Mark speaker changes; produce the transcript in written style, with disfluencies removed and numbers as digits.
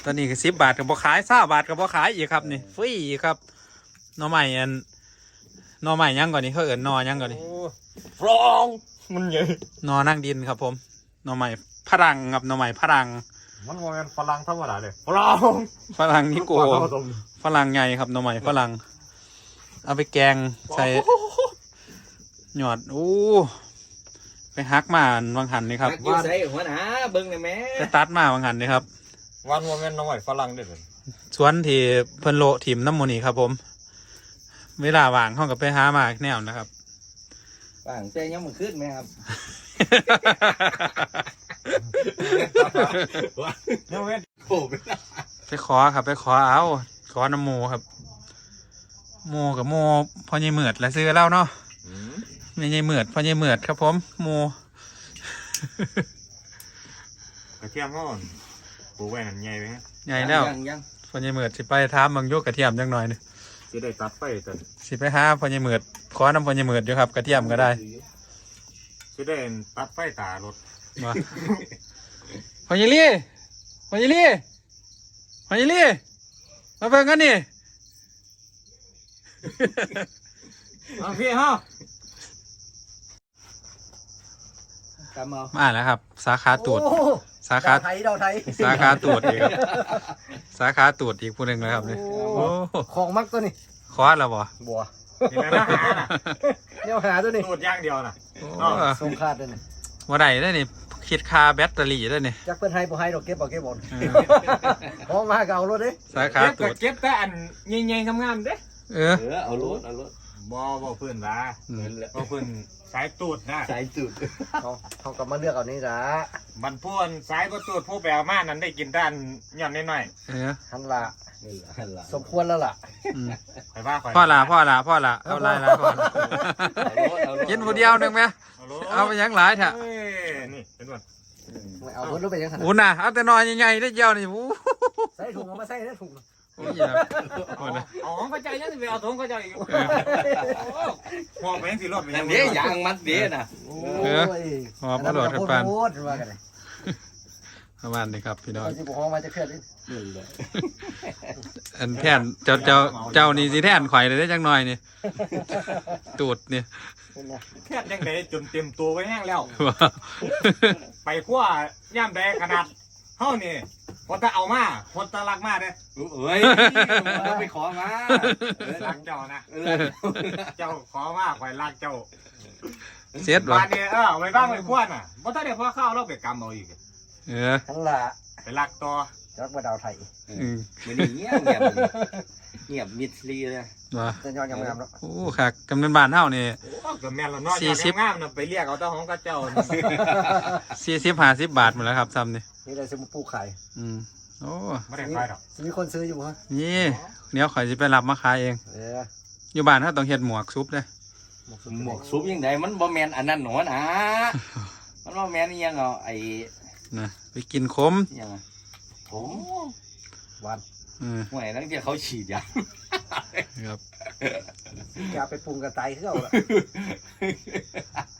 Speaker 1: ตอนนี้ก็10 บาทกับบ่ขาย20 บาทกับบ่ขายอีกครับนี่ฟรีครับหน่อไม้หน่อไม้ยังก่อนนี่เขาเอิ้นหน่อยังก่อนนี่
Speaker 2: ฟรองมันใหญ่
Speaker 1: หน่อนั่งดินครับผมหน่อไม้พลังครับหน่อไม้พลัง
Speaker 2: มันโมเมนฝรั่งธรรมดาเลยฟรอง
Speaker 1: ฝรั่งนิโกฝรั่งใหญ่ครับหน่อไม้ฝรั่งเอาไปแกงใส่หยอดอู้ไปฮักมาบางหันนี่ครับ
Speaker 3: อยู่ใส่หัวหน้าเบิ่งได้แม่
Speaker 1: ไปตัดมาบางหันนี่ครับ
Speaker 2: วันโมเมนน้องใหม่ฝรั่งเด้อ
Speaker 1: สวนที่เพิ่นโลถิ่มน้ำมูนี่ครับผมเวลาว่างห้องกับไปหามาแนวนะครับ
Speaker 3: ว่างแต่ยังมันขึ้นไหมครับ
Speaker 2: โมเมน
Speaker 3: โอ้เป็น
Speaker 1: ไปขอครับไปขอเอาขอน้ำหมูครับหมูกับหมูพ่อใหญ่เหมือดและซื้อเล่าเนาะไม่ใหญ่เหมือดพ่อใหญ่เหมือดครับผมหมู
Speaker 2: กระเทียมก่อนปูแหวนใหญ่ไหม
Speaker 1: ใหญ่แล้ว
Speaker 3: ยัง
Speaker 1: พ่อใหญ่เหมือดสิไปถามบางโยกกระเทียมจังหน่อยนึง
Speaker 2: จะได้ตัดไปแต่
Speaker 1: สิไปหาพ่อใหญ่เหมือดขอน้ำพ่อใหญ่เหมือดอยู่ครับกระเทียมก็ได้
Speaker 2: จะได้ตัดไฟตารถ
Speaker 1: มาพ่อใหญ่ลี่พ่อใหญ่ลี่พ่อใหญ่ลี่มาเบิ่งกันนี่
Speaker 2: เอาพี่ฮะ
Speaker 3: ตามเอา
Speaker 1: มาแล้วครับสาขาตูดสาขา
Speaker 3: ดาวไทย
Speaker 1: สาขาตูดอีกครับสาขาตูดอีกผู้หนึ่งนะครับนี่โอ้
Speaker 3: ของมักตัวนี้
Speaker 1: คอสแล้วบ่
Speaker 3: บัว
Speaker 2: นี่นะหาน่ะ
Speaker 3: เนี่ยหาตัวนี้
Speaker 2: ตูดย่างเดียวน่ะ
Speaker 1: โอ้
Speaker 3: สงคาดเลยนี่
Speaker 1: ว่าได้ได้นี่คิดคาแบตเตอรี่ได้นี่
Speaker 3: จักเพิ่นให้บ่ให้ดอกเก็บบ่เก็บบ่
Speaker 1: เออ
Speaker 3: พอมาก็เอารถดิ
Speaker 1: สาขา
Speaker 2: เก็บ
Speaker 1: ตู
Speaker 2: แต่
Speaker 1: ด
Speaker 2: เก็บแต่อันใหญ่ๆงามๆเด้
Speaker 1: เออ
Speaker 3: เอารถ
Speaker 2: บ่เพื่อนละบ่เพื่อนสายตูดนะ
Speaker 3: สายจุดเขาก็มาเลือกเอานี่ล่ะ
Speaker 2: มันพูนสายบ่ตูดผู้แปลมานั้นได้กินด้านย่อนนิดหน่อย
Speaker 1: เออ
Speaker 3: หันละสมควรแล้วล่ะ
Speaker 1: อืม
Speaker 2: ไปว่าข่อย
Speaker 1: พ่อละเอาลายละพ่อละกินผู้เดียวหนึ่งไหมเอาไปยังหลายเถอะ
Speaker 2: เอ้ยนี่เป็นวัน
Speaker 3: ไม่เอารถไปยังขนาด
Speaker 1: อู้น่ะเอาแต่นอนใหญ่ๆได้เจียวนี่อู้
Speaker 3: ใส่ถุงเอามาใส่ได้ถุง
Speaker 1: โอ้ยครับโอ้ยนะ
Speaker 2: อ๋อเข้าใจยังสิไปเอาถุงเข้าใจอีกหัวไปยังสิรถไปยัง
Speaker 3: เดี๋ยวยางมัดเดี๋ยวน่ะ
Speaker 1: เออหอบกระโดดขึ้นปาน
Speaker 3: โคตรว่ากันเลย
Speaker 1: ประมาณนี้ครับพี่น้อง
Speaker 3: เขาสิบ่ฮ้องมาจะเคลื่อนนี่
Speaker 1: อันแท่นเจ้านี่สิแท่นข่อยเลยได้จังหน่อยนี่ตูดนี่
Speaker 2: แค่ยังไงจนเต็มตัวไว้แห้งแล้ว ไปขั้วย่ำแดงขนาดเท่านี่คนตะเอามาคนตะรักมาเด้
Speaker 3: เอ้ยเราไปขอมา
Speaker 2: รักเจ้านะเจ้าขอมาข่อยรักเจ้า
Speaker 1: เสียดวะ
Speaker 2: บ้านเนี่ยไปบ้างไปขั้วน่ะเพราะถ้าเดี๋ยวพ่อเข้าเราไปกำเอาอีก
Speaker 1: เออ
Speaker 3: ทั้งละ
Speaker 2: ไปรักต่อ
Speaker 3: จักว่าดาวไทย
Speaker 1: อืม
Speaker 3: มันเงียบเงียบมิดลีเลย
Speaker 1: ว่ะ
Speaker 3: จะยอดยังงามแล้ว
Speaker 1: โอ้ค่ะกำนันบ้านเฮานี่
Speaker 2: โอ้ก็แม่นเรานอนอย่างงามนะไปเรียกเอาเจ้าของกับเจ้า
Speaker 1: 40-50 บาทหมดแล้วครับซ้ำนี่
Speaker 3: นี่เลยสมุปูขาย
Speaker 1: อืมโอ้
Speaker 2: ไม่ได้ขายหรอก
Speaker 3: มีคนซื้ออยู่ฮะ
Speaker 1: นี่เดี๋ยวข่อยสิไปรับมาขายเอง
Speaker 3: อ
Speaker 1: อยู่บ้านเขาต้องเฮ็ดหมวกซุปเด้
Speaker 3: หมวกซุปยังไงมันบ่แมนอันนั้นหนอนะมันบ่แมนยังเอาไอ้
Speaker 1: นะไปกินขม
Speaker 3: ยังผมวัน
Speaker 1: เออ
Speaker 3: ห่วยนั่นที่เขาฉีดยา
Speaker 1: ครับ
Speaker 3: ยาไปปรุงกระต่ายเขาละ